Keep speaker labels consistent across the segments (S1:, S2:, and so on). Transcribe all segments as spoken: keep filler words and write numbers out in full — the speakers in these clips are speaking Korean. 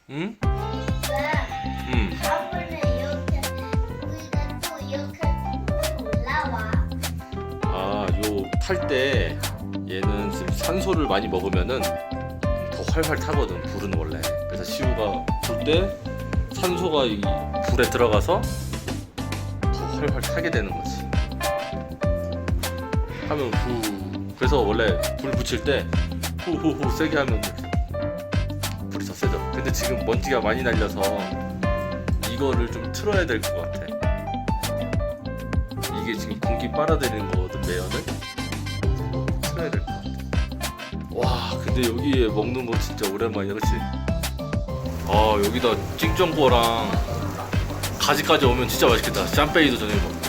S1: 응?
S2: 왜?
S1: 응.
S2: 다음번에 이렇게 우리가 또 이렇게 올라와.
S1: 아, 요 탈 때 얘는 지금 산소를 많이 먹으면은 더 활활 타거든. 불은 원래. 그래서 시우가 불 때 산소가 이 불에 들어가서 더 활활 타게 되는 거지. 하면 후. 그래서 원래 불 붙일 때 후후후 세게 하면 불이 더 세져. 근데 지금 먼지가 많이 날려서 이거를 좀 틀어야 될 것 같아. 이게 지금 공기 빨아들이는 거거든, 매연을. 틀어야 될 것 같아. 와, 근데 여기에 먹는 거 진짜 오랜만이야, 그치? 아, 여기다 찡정보랑 가지까지 오면 진짜 맛있겠다. 짬베이도 저녁에 먹고.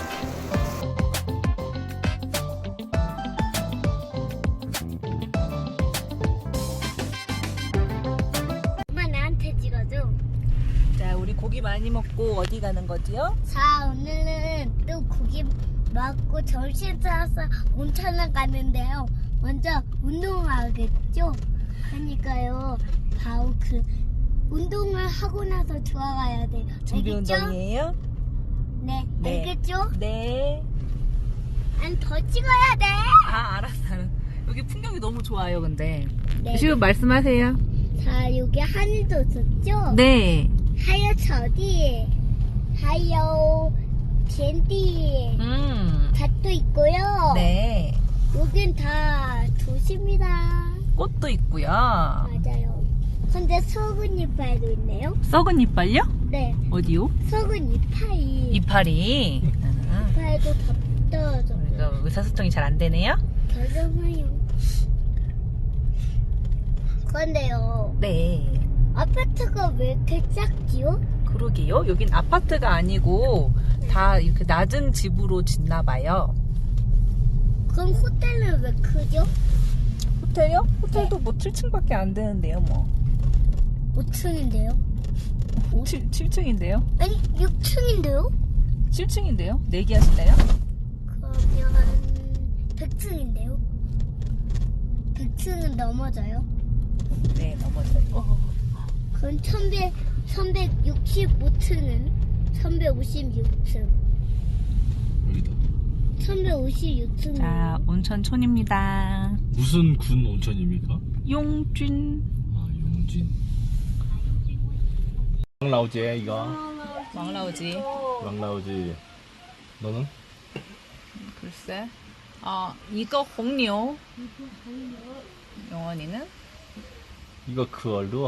S2: 엄마 나한테 찍어줘.
S3: 자, 우리 고기 많이 먹고 어디 가는 거지요?
S2: 자, 오늘은 또 고기 먹고 점심 싸서 온천을 가는데요. 먼저 운동하겠죠? 그러니까요. 바로 그 운동을 하고 나서 들어가야 돼요.
S3: 준비
S2: 알겠죠?
S3: 운동이에요?
S2: 네,
S3: 네.
S2: 알겠죠?
S3: 네.
S2: 난 더 찍어야 돼.
S3: 아, 알았어. 여기 풍경이 너무 좋아요, 근데.
S2: 네.
S3: 지금 말씀하세요.
S2: 자, 여기 하늘도 있었죠?
S3: 네.
S2: 하여 저디, 하여 젠디,
S3: 음.
S2: 밭도 있고요.
S3: 네.
S2: 여긴 다 도시입니다.
S3: 꽃도 있고요.
S2: 맞아요. 근데 썩은 이파이도 있네요.
S3: 썩은 이빨요?
S2: 네,
S3: 어디요?
S2: 썩은 이파이.
S3: 이파리. 아,
S2: 이파이도 다 떨어져.
S3: 우리가 의사소통이 잘 안 되네요?
S2: 결정하요. 그런데요,
S3: 네.
S2: 아파트가 왜 이렇게 작지요?
S3: 그러게요. 여긴 아파트가 아니고 다 이렇게 낮은 집으로 짓나 봐요.
S2: 그럼 호텔은 왜 크죠?
S3: 호텔요? 호텔도 뭐 칠 층밖에 안 되는데요, 뭐.
S2: 오 층인데요?
S3: 칠, 칠 층인데요?
S2: 아니, 육 층인데요?
S3: 칠 층인데요? 내기하실래요?
S2: 그러면 백 층인데요? 백 층은 넘어져요?
S3: 네, 넘어져요. 어.
S2: 그럼 천백, 천백육십오 층은? 천백오십육 층.
S1: 여기다.
S2: 천백오십육 층.
S3: 자, 온천촌입니다.
S1: 무슨 군 온천입니까?
S3: 용준.
S1: 아, 용진. 왕라오지, 이거.
S3: 왕라오지.
S1: 왕라오지. 너는?
S3: 글쎄. 아, 이거 홍요. 영원이는?
S1: 이거 그 얼루.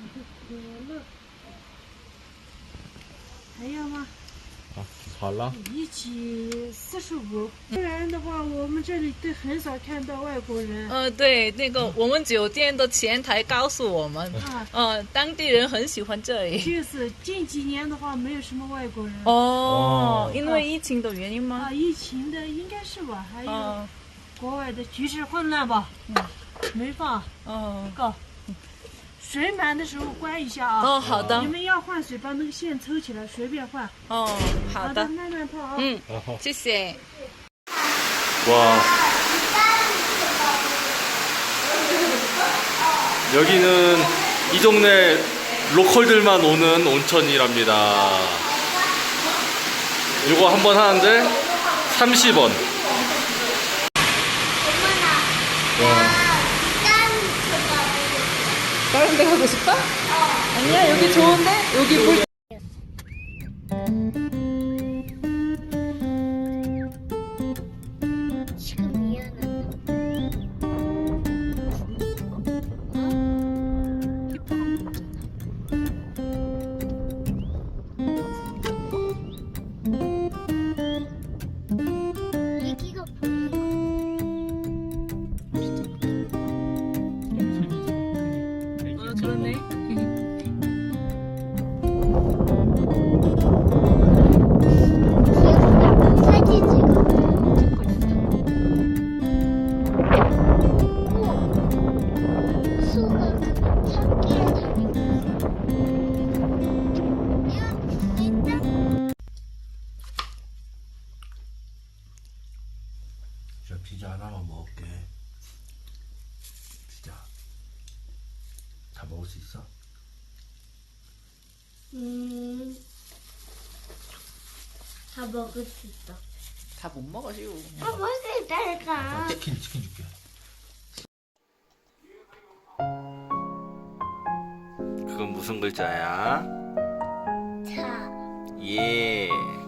S4: 还要吗？
S1: 아, 好了。
S4: 一起四十五。不然的话，我们这里都很少看到外国人。
S3: 呃，对，那个我们酒店的前台告诉我们，
S4: 啊，
S3: 呃，当地人很喜欢这里。
S4: 就是近几年的话，没有什么外国人。
S3: 哦，
S1: 哦
S3: 因为疫情的原因吗
S4: 啊，？疫情的应该是吧？还有
S3: 嗯
S4: 国外的局势混乱吧？
S3: 嗯，
S4: 没放
S3: 哦
S4: 个。水满的时候关一下啊。
S3: 哦，好的
S4: 你，们要换水，把那个线抽起来，随便换。
S3: 哦，好的，
S4: 慢慢泡啊。
S3: 嗯，
S1: 어허.
S3: 谢谢。
S1: 와. 여기는 이 동네 로컬들만 오는 온천이랍니다. 이거 한 번 하는데 삼십 원.
S2: 어머나,
S3: 다른 데 가고 싶어? 아니야, 여기 좋은데? 여기 물.
S2: 지금 미안하다. 얘기가 보이는
S3: 어, 그렇네.
S2: 음, 다 먹을 수 있어.
S3: 다 못 먹어요.
S2: 다 먹을 수 있다니까.
S1: 치킨 치킨 줄게. 그건 무슨 글자야?
S2: 자,
S1: 예.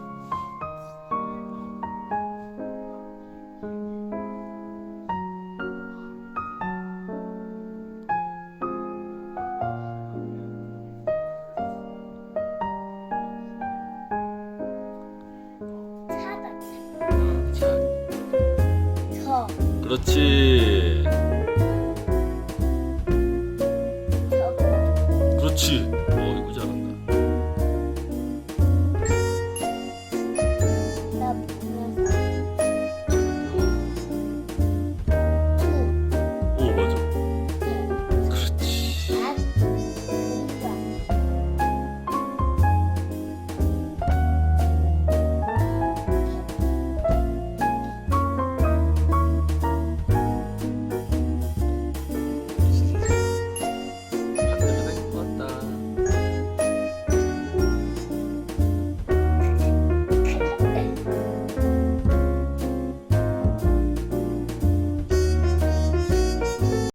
S2: 차다.
S1: 자,
S2: 저,
S1: 그렇지.
S2: 저.
S1: 그렇지.